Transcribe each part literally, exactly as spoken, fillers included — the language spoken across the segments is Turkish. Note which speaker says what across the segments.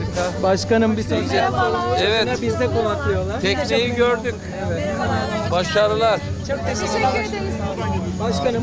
Speaker 1: Harika.
Speaker 2: Başkanım bir sosyal
Speaker 1: Evet.
Speaker 2: bizde konaklıyorlar.
Speaker 1: Tekneyi gördük. Başarılar.
Speaker 2: Çok teşekkür ederiz. Başkanım.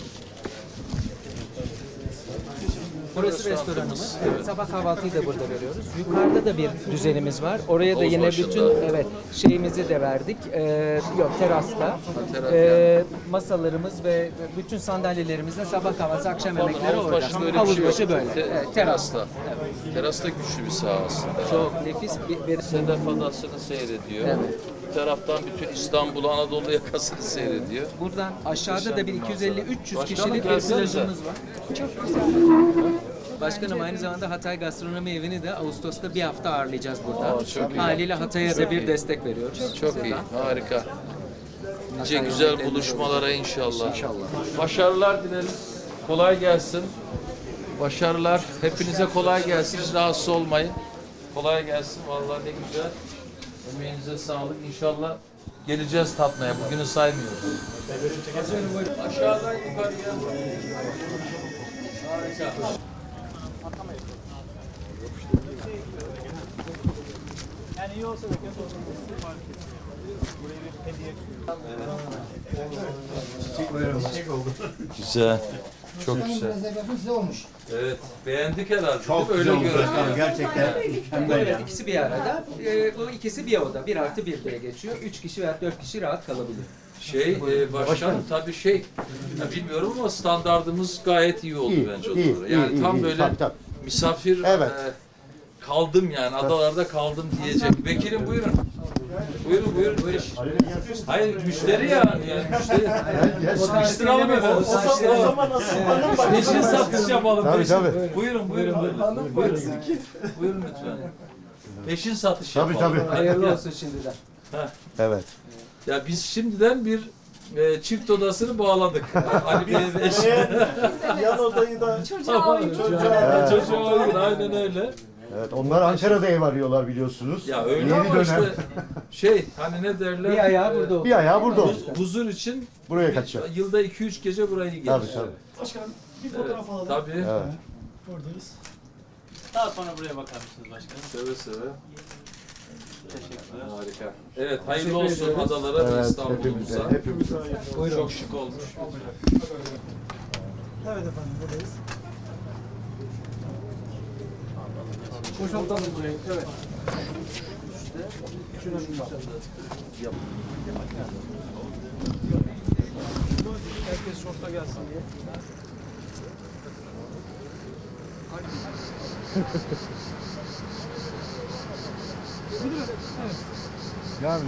Speaker 2: Burası restoranımız. Evet. Sabah kahvaltıyı da burada veriyoruz. Yukarıda da bir düzenimiz var. Oraya da
Speaker 1: Havuz
Speaker 2: yine
Speaker 1: başında.
Speaker 2: bütün evet şeyimizi de verdik. Ee, yok terasta.
Speaker 1: teras
Speaker 2: Ee, masalarımız ve bütün sandalyelerimizle sabah kahvaltısı, akşam yemekleri
Speaker 1: Havuz
Speaker 2: orada.
Speaker 1: başında öyle bir
Speaker 2: Havuz
Speaker 1: şey yok.
Speaker 2: başı böyle.
Speaker 1: Te-
Speaker 2: Evet, teras.
Speaker 1: terasta. Terasta güçlü bir saha aslında.
Speaker 2: Çok nefis bir, bir
Speaker 1: Sedef Adası'nı seyrediyor.
Speaker 2: Evet.
Speaker 1: Bir taraftan bütün İstanbul, Anadolu yakasını seyrediyor.
Speaker 2: buradan aşağıda da bir iki yüz elli üç yüz
Speaker 1: Başkanım,
Speaker 2: kişilik bir
Speaker 1: gelsenize.
Speaker 2: plajımız var. Çok güzel. Başkanım aynı zamanda Hatay Gastronomi Evi'ni de Ağustos'ta bir hafta ağırlayacağız burada.
Speaker 1: Aa, çok iyi.
Speaker 2: Haliyle Hatay'a da bir destek veriyoruz.
Speaker 1: Çok iyi, harika. Nice güzel buluşmalara inşallah. İnşallah. Başarılar dileriz. Kolay gelsin. Başarılar. Hepinize kolay gelsin. Hiç rahatsız olmayın. Kolay gelsin. Vallahi ne güzel. Emeğinize sağlık. İnşallah geleceğiz tatmaya. Bugünü saymıyoruz. Aşağıdan yukarıya. Harika.
Speaker 3: Yani iyi olsa da kötü olsa da fark etmez. Buraya bir hediye. Çiçek oldu.
Speaker 1: Güzel. Çok güzel.
Speaker 4: Size olmuş.
Speaker 1: Evet. Beğendik herhalde.
Speaker 4: Çok
Speaker 1: değil mi?
Speaker 4: güzel
Speaker 1: Öyle
Speaker 4: olmuş
Speaker 1: görünüyor.
Speaker 4: başkanım. Gerçekten mükemmel
Speaker 2: Evet,
Speaker 4: ya.
Speaker 2: ikisi bir arada. Ee, bu ikisi bir oda. Bir artı bir diye geçiyor. Üç kişi veya dört kişi rahat kalabilir.
Speaker 1: Şey, e, başkan tabii şey, ya bilmiyorum ama standardımız gayet iyi oldu
Speaker 4: İyi,
Speaker 1: bence
Speaker 4: iyi,
Speaker 1: odalara.
Speaker 4: iyi,
Speaker 1: Yani
Speaker 4: iyi,
Speaker 1: tam
Speaker 4: iyi.
Speaker 1: böyle
Speaker 4: Tabii, tabii.
Speaker 1: misafir
Speaker 4: Evet.
Speaker 1: e, kaldım yani adalarda kaldım diyecek. Vekilim buyurun. Buyurun buyurun. buyurun. Hayır müşteri yani. yani müşteri. Sıkıştıralım efendim.
Speaker 3: O zaman asılmanın bak.
Speaker 1: Peşin satış yapalım.
Speaker 4: Tabii,
Speaker 1: peşin.
Speaker 4: tabii.
Speaker 1: Buyurun buyurun. Buyurun, buyurun. Buyurun lütfen. Peşin satış
Speaker 4: Tabii,
Speaker 1: yapalım.
Speaker 4: tabii.
Speaker 2: Hayırlı olsun şimdiden.
Speaker 4: Evet.
Speaker 1: Ya biz şimdiden bir e, çift odasını bağladık. Ali Bey ve eşi.
Speaker 3: Yan odayı da
Speaker 1: Çocuğa uygun. Çocuğa uygun. Aynen öyle.
Speaker 4: Evet. Onlar Ankara'da ev arıyorlar biliyorsunuz.
Speaker 1: Ya öyle
Speaker 4: Yeni
Speaker 1: ama
Speaker 4: dönem.
Speaker 1: işte şey hani ne derler?
Speaker 2: Bir ayağı
Speaker 1: e,
Speaker 2: burada oldu.
Speaker 4: Bir ayağı burada oldu.
Speaker 1: Huzur için
Speaker 4: Buraya
Speaker 1: bir-
Speaker 4: kaçacak.
Speaker 1: yılda iki üç gece burayı gelir.
Speaker 4: Tabii tabii.
Speaker 3: başkanım bir
Speaker 1: Evet,
Speaker 3: fotoğraf alalım.
Speaker 1: tabii.
Speaker 4: Evet.
Speaker 3: Buradayız. Daha sonra buraya bakar mısınız başkanım?
Speaker 1: Seve seve.
Speaker 3: Teşekkürler.
Speaker 1: Harika. Evet hayırlı
Speaker 2: Teşekkür
Speaker 1: olsun
Speaker 2: ediyoruz.
Speaker 1: adalara ve
Speaker 4: Evet.
Speaker 1: İstanbul'umuza.
Speaker 4: Hepimize. Hepimize.
Speaker 1: Çok şık olmuş.
Speaker 3: Evet efendim buradayız.
Speaker 2: Boşaltalım burayı. Evet.
Speaker 3: Herkes şorta gelsin diye.
Speaker 4: Yani